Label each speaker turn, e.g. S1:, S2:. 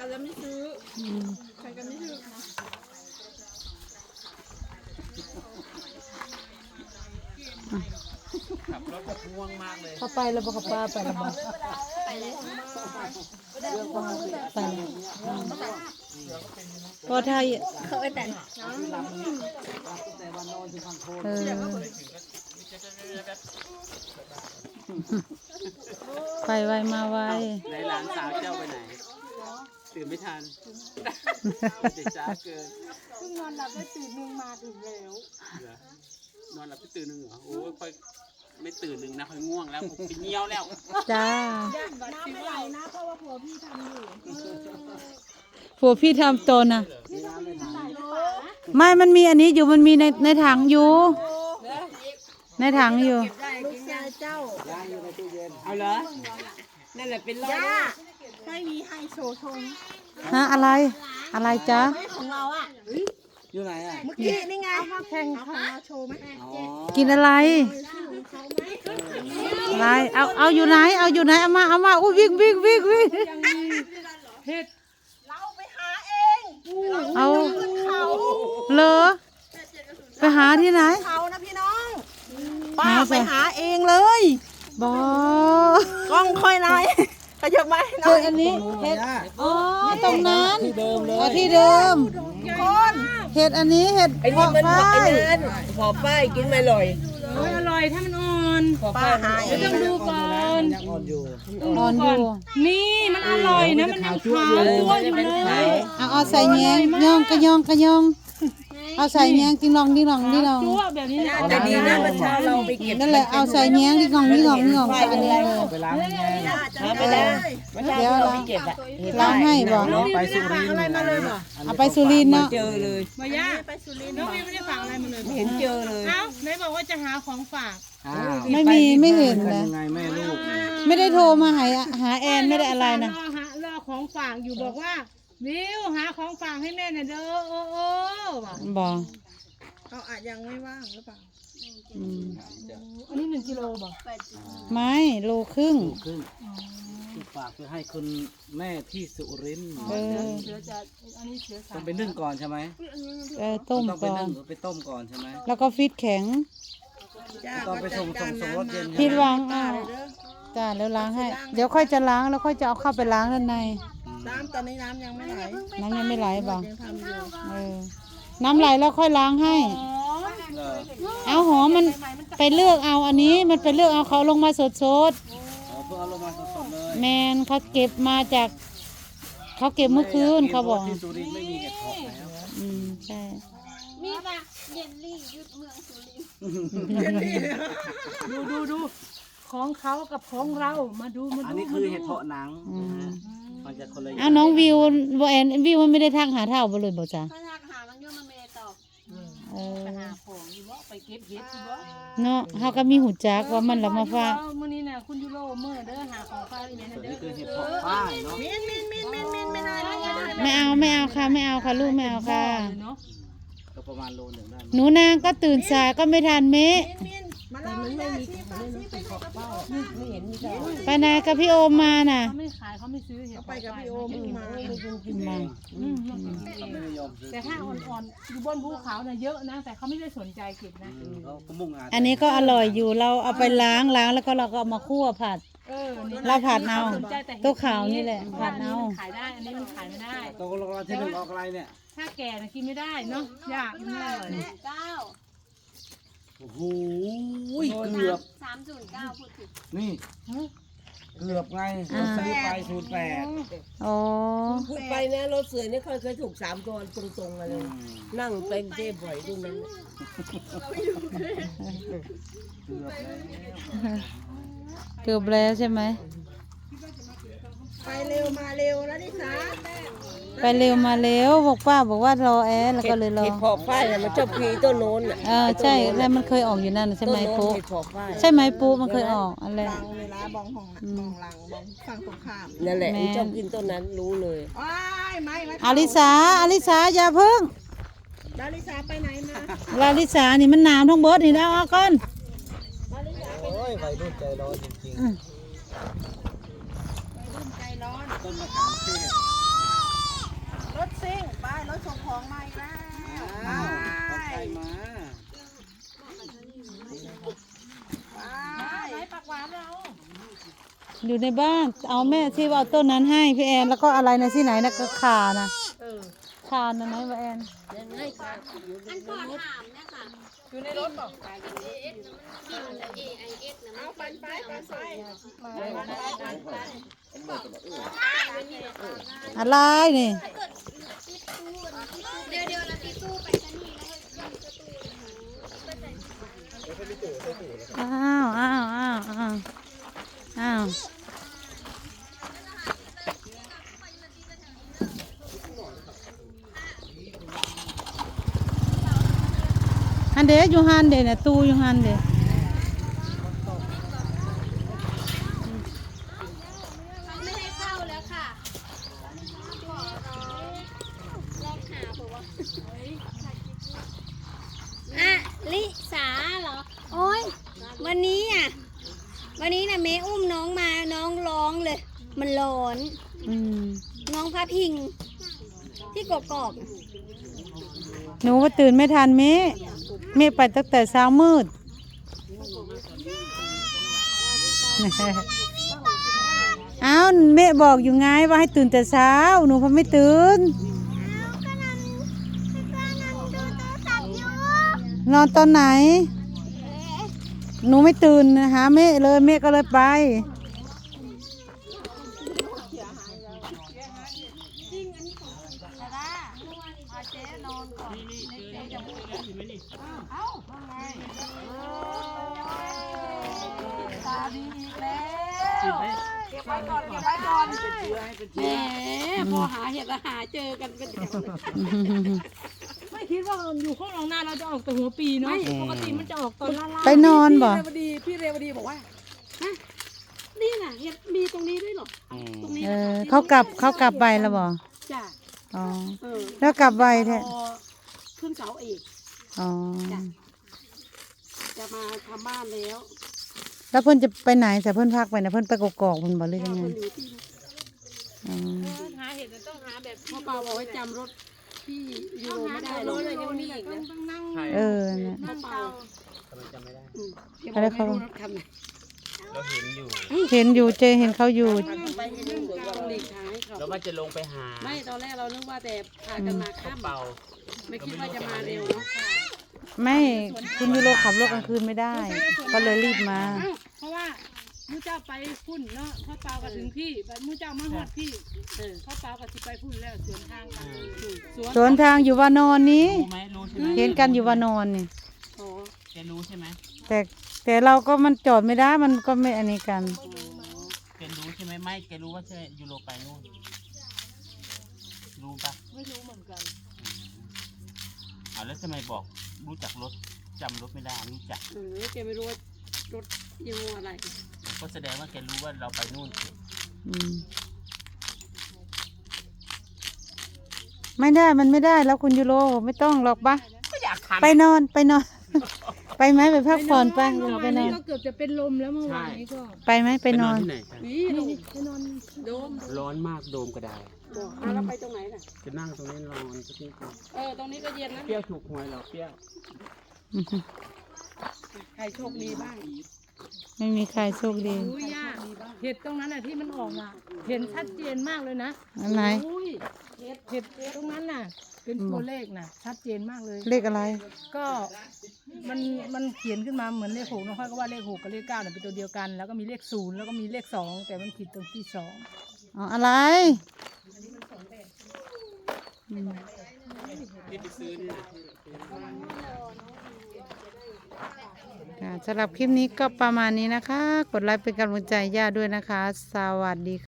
S1: แล้วไม่ซื้อใครกันไม่ซื้อ
S2: ขับรถแบบง่วงมากเลย
S3: เขาไปแล้วบอกกับป้าไปแล้วบอก
S1: ไปเลย
S3: ไปแล้วพอไทย
S1: เขาไปแต่
S3: เออไปไวมาไว
S2: ในหลานสาวเจ้าไปไหนตื่นไม่ทันเด็กจ้าเกิน
S1: เพิ่งนอนหลับได้ตื่นนึงมาถึงแล้ว
S2: นอนหลับไปตื่นหนึ่งเหรอโอ้ยค่อยไม่ตื่นหนึ่งนะค่อยง่วงแล้วผมไปเงี้ยวแล้ว
S3: จ้า
S1: น้ำไม่ไหลนะเพราะว่าผัวพี่ทำอยู่
S3: ผัวพี่ทำตนนะไม่มันมีอันนี้อยู่มันมีในถังอยู่ ในถังอยู่
S1: ลูกชายเจ้า
S2: เอาเหรอนั่นแหละเป็นรอบ
S1: ย่าไม่มีให้โชว์ทง
S3: ฮะอะไรอะไรจ๊ะ
S1: ไม่ของเราอ่ะ
S2: อยู่ไหนอ่ะ
S1: เมื่อกี้นี่ไงแข่งของเราโชว์ไหม
S3: กินอะไรอะไรเอาอยู่ไหนเอาอยู่ไหนเอามาอุ้ยวิ่ง
S1: เราไปหาเอง
S3: เอา
S1: เขา
S3: เลอไปหาที่ไหน
S1: เขานะพี่น้องป้าไปหาเองเลย
S3: บอก
S1: ล้องค่อยหน่อยขยับมาหน่
S3: เห็
S1: อย
S3: ดอันนี้เห็ดอ๋อตรงนั้นที่เดิม
S1: คน
S3: เห็ดอันนี้เห็ดเพาะฝ้าย
S4: พอป้ายกินไม่อร่อย
S3: อร่อยถ้ามันอ่อน
S1: ป้าหาเอง
S3: ต้องดูก่อน
S2: ยังอ่อนอยู่
S3: อ่อนอยู่
S5: นี่มันอร่อยนะมันยังขาวตัวอยู่เลย
S3: เอาใส่แยงย่องกระยองเอาใส่แยงดิ้งลอง
S5: ตัวแบบนี้นะ
S4: แต่ดีนะเมื่อเช้าเราไปเก็บ
S3: นั่นแหละเอาใส่แยงดิ้งลองใส่อันนี้เลย
S2: ไปล้างแม่
S4: ไปแล้วเมื่อเช้าที่เราไปเก็บอะ
S3: ล้างให้บอก
S2: น้องไปสุรินทร์
S3: เอาไปสุรินทร์เนาะ
S4: เจอเลย
S5: มาย่าน้องวิวไม่ได้ฝากอะไรมาเลย
S4: เห็นเจอเลย
S5: เอ้าไหนบอกว่าจะหาของฝาก
S3: ไม่เห็น
S2: เป็น
S3: นะ
S2: ยังไงแม่ลูก
S3: ไม่ได้โทรมาหาแอนไม่ได้อะไรนะ
S5: รอของฝากอยู่บอกว่าวิวหาของฝากให้แม่หน่อยเด้อโอ้ว่ะ
S3: บอก
S1: เขาอาจยังไม่ว่างหรือเปล่า
S3: อืม
S5: อันนี้1 กิโลบอก
S3: ไม่โลครึ่ง
S2: ครึ่งฝากไปให้คุณแม่ที่สุรินทร์
S3: เออ
S5: เสือจะอันนี้เสือ
S2: ต้องไปนึ่งก่อนใช่ไหม
S3: ต้ม
S2: ต้องไป
S3: ก่อ
S2: นึ่
S3: น
S2: งหรือไปต้มก่อนใช่ไหม
S3: แล้วก็ฟิตแข็ง
S2: ต้องไปส่งรถเย็น
S3: พิดวาง
S1: ป้า
S3: เอา
S1: เลยเด้อ
S3: จ้าแล้วล้างให้ เดี๋ยวค่อยจะล้างแล้วค่อยจะเอาเข้าไปล้างด้านใน
S1: น้ำตอนนี้น้ำยังไม่ไหล
S3: น้ำยังไม่ไหลบอก
S1: ยังทำอยู่
S3: เออน้ำไหลแล้วค่อยล้างให้
S2: เหรอ
S3: เอาหอมมันไปเลือกเอาอันนี้มันไปเลือกเอาเขาลงมาสด
S2: เอาเพื่อเอาลงมาสดๆเลย
S3: ๆแมนเขาเก็บมาจากเขาเก็บเมื่อคืนเขาบอก
S2: ที่สุรินทร์ไม่มีเห็ดเพาะแล้ว
S3: ใช่
S1: มีปะเยนลี่ยุดเมืองสุรินทร์
S5: ดูของเขากับของเรามาดู
S2: อันนี้คือเห็ดเพาะหนังมันจะคนละอย่าง
S3: เอาน้องวิวแอนวิวมันไม่ได้ทักหาเท่าไปเลยบอกจ้ะ
S1: ถ้าอยากหามันก็มาเมย์ตอบ
S3: เออ
S5: หาของอยู่ว่าไปเก็บเห็ดอยู่ว่า
S3: เนาะเขาก็มีหูจักว่ามันละมาฝาก
S5: มื้อนี้น่ะคุณยูโรเมื่อเด้อหาของฝากอีแม่
S2: ส่วน
S5: เด้
S2: นี้
S5: อ
S2: คือเห็ดเพาะฝ้ายเนาะ
S1: มินไม่ได้ไม่ได้
S3: ไม่เอาค่ะลูกไม่เอาค่ะ
S5: เนาะ
S2: ก็ประมาณโลหนึ่งได้
S3: หนูนางก็ตื่นสายก็ไม่ทันเมะ
S1: มินมาลองไม่มีที่ไปกับพี่โอม
S4: ไม่เห็นมีแต่
S3: ไปนากับพี่โอมมาน่ะ
S5: เขาไม่ขายเขาไม่ซื้อเห็ด
S1: ไปกับพี่โอมมา
S3: มา
S2: เขาไม่นิยมซื้อ
S5: แต่ถ้าอ่อนๆอยู่บนภูเขาน่ะเยอะนะแต่เขาไม่ได้สนใจเก็บนะ
S2: เขาก็มุ่งงาน
S3: อันนี้ก็อร่อยอยู่เราเอาไปล้างแล้วก็เราก็เอามาคั่วผัด เราผัดเอาตัวขาวนี่แหละผัดเอา
S5: ขายได้อันนี้มันขายไม่ได้
S2: ตกลงเราที่หนึ่งออกอะไรเนี่ย
S5: ถ้าแก่น่ะกินไม่ได้เนาะยากมันไม่อร่อย
S2: โอ้โหเกือบ
S1: 309พูดผิด
S2: นี่เกือบไงเราซื้อไป08
S3: อ๋อ
S4: พูดไปนะรถเสือนี่เคยถูก3 ตัวตรงๆมาเลย นั่งเป็นเจ๊บ่อยดูนั้น
S2: เกือบแล้ว
S3: เกือบแล้วใช่ไหม
S1: ไปเร็วมาเร็วแล้วดิสา
S3: ไปเร็วมาเร็วบอกป้าบอกว่ารอแอร์แล้วก็เลยรอ
S4: เห็ดเพาะฝ้ายน่ะมันชอบพีต้นโน้นน่ะ
S3: ใช่แล้วมันเคยออกอยู่นั่นน่ะใช่ไหม
S4: ต้นโน้น
S3: ปุ๊
S4: เห็ดเพาะฝ้าย
S3: ใช่ไหมปุ๊มันเคยออกอะไร
S1: ลังเวลาบองหองบองหลังบองฝั่งตรงข้าม
S4: นั่นแหละมันชอบกินต้นนั้นรู้เลย
S1: ว้ายไม่
S3: อลิสาอย่าเพิ่ง
S1: ดาริสาไปไหนมา
S3: ลาลิสานี่มันหนาวทั้งเบิดนี่แล้วเอาก่อน
S2: โอ้ยวัยรุ่นใจร้อนจริง
S1: ใจร้อน
S2: ๆต้นมะขามเทศ
S3: อยู่ในบ้าน เอาแม่ที่ว่าเอาต้นนั้นให้พี่แอนแล้วก็อะไรนะที่ไหนนะก็ขานะขานะไหนวะแอน
S4: ยังไงค่ะ
S6: อันก่อนถามเนี่ยค่ะ
S5: อยู่ในรถบอก
S6: AIS นะมันบิน AIS นะมันปันไป
S3: อะไรนี่
S6: เดี๋ยวเราตีตู้ไปกันนี่แล้ว
S3: อ้าวอ้าวอ้าวอ้าวอ้าวฮันเดอยู่ฮันเดน่ะตู้อยู่ฮันเด
S6: ไม่ให้เข้าแล้วค่ะลองหาเผื่อว่าอ่ะลิสาเหรอโอ้ยวันนี้นะเมย์อุ้มน้องมาน้องร้องเลย มันร้อน
S3: อืม
S6: น้องพาพิงที่กกอก
S3: หนูก็ตื่นไม่ทันเมะไปตั้งแต่เช้ามืด อ้าวเมะบอกอยู่ไงว่าให้ตื่นแต่เช้าหนูพอไม่ตื่นนอนตอนไหน หนูไม่ตื่นหาเมะเลยเมะก็เลยไป
S1: แหมพอหาเห็ดแล้วหาเจอกันเป็นแถวเลย
S5: ไม่คิดว่าอยู่ข้างหลังหน้าเราจะออกแต่หัวปีเนาะปกติมันจะออกตอนล่าง
S3: ไปนอนบ่
S1: พี่เรวดีบอกว่าฮะนี่น่ะเห็ดมีตรงนี้ด้วยเหรอตรงนี้
S3: เขากลับไปแล้วบ่
S1: จ้ะ
S3: อ๋อ
S1: เออ
S3: แล้วกลับไปแท้
S1: พอขึ้นเสาเอก
S3: อ๋อ
S1: จะมาทำบ้านแล้ว
S3: แล้วเพิ่นจะไปไหนแต่เพิ่นพักไปนะเพิ่นไปกอกๆเพิ่นบ่หรือยังไง
S1: คนอยู่ที่
S3: อ๋อ
S5: หาเห็ดต้องหาแบบ
S1: พ่อเปาบอกว่าจำรถที่ยูโรไม่ได้หรอก
S5: ยังมีอีกต้องนั่ง
S3: เนี่ย
S1: พ่อเปา
S2: ทำไมจำไม่ได้
S1: เดี๋ยวบอกไม่รู้รถคันไหน
S2: เราเห็นอยู่
S3: เห็นอยู่เจเห็นเขาอยู่
S1: ต้องหลีกทางให้เขา
S2: แล้วมันจะลงไปหา
S1: ไม่ตอนแรกเรานึกว่าแต่พากันมาข้าม
S2: เป่า
S1: ไม่คิดว่าจะมาเร็วเนาะ
S3: ไม่คุณยูโรขับรถกลางคืนไม่ได้ ก็เลยรีบมา
S5: เพราะว่ามูเจ้าไปพุ่นเนาะพ่อเปาก็ถึงพี่แบบมูเจ้ามาหอดพี่พ่อเปาก็สิไปพุ่นแล้วสวนทางกัน
S3: สวนทางอยู่วานอนนี้
S2: รู้ไหมรู้ใช่ไหม
S3: เห็นกันอยู่วานอนนี่
S1: อ๋อ
S2: แกรู้ใช่ไหม
S3: แต่เราก็มันจอดไม่ได้มันก็ไม่อันนี้กัน
S2: แกรู้ใช่ไหมไม่แกรู้ว่าใช่ยูโรไปนู่นรู้ปะ
S5: ไม่รู้เหมือนกัน
S2: แล้วทำไมบอกรู้จักรถจำรถไม่ได้รู้จัก
S1: แกไม่รู้ว่ารถยี่ห้ออะไร
S2: ก็แสดงว่าแกรู้ว่าเราไปนู่น
S3: อืมไม่ได้มันไม่ได้แล้วคุณยูโรไม่ต้องหรอกปะ
S2: ก็อยากทำ
S3: ไปนอน ไปไหมไปพักผ่อนไปไปนอน
S5: ก็เกือบจะเป็นลมแล้วเมื่อวานนี้ก็
S3: ไปไหมไปนอน
S2: ที่ไหนกัน
S1: นี่ลง
S5: ไปนอน
S1: โดม
S2: ร้อนมากโดมก็ได้
S1: บอกแล้วไปตรงไหนน่ะ
S2: จะนั่งตรงนี้นอนสักนิดนึง
S1: ตรงนี้ก็เย็นนะ
S2: เปรี้ยวถูกหวยเหราเปรี้ยว
S1: ใครโชคดีบ้าง
S3: ไม่มีใครโชคดี
S5: อุ้ยย่าเห็ดตรงนั้นน่ะที่มันออกอ่ะเห็นชัดเจนมากเลยนะ
S3: อันไหน
S5: อุ้ยเห็ดตรงนั้นน่ะ เป็นตัวเลขน่ะ ชัดเจนมากเลย
S3: เลขอะไร
S5: ก็มันเขียนขึ้นมาเหมือนเลขหกน้องค่อยก็ว่าเลขหกกับเลขเก้าเนี่ยเป็นตัวเดียวกัน แล้วก็มีเลขศูนย์แล้วก็มีเลขสองแต่มันผิดตรงที่สอง
S3: อ๋ออะไร
S2: ที่ไปซื้อนี่นะ
S3: ค่ะสำหรับคลิปนี้ก็ประมาณนี้นะคะ กดไลค์เป็นกำลังใจย่าด้วยนะคะ สวัสดีค่ะ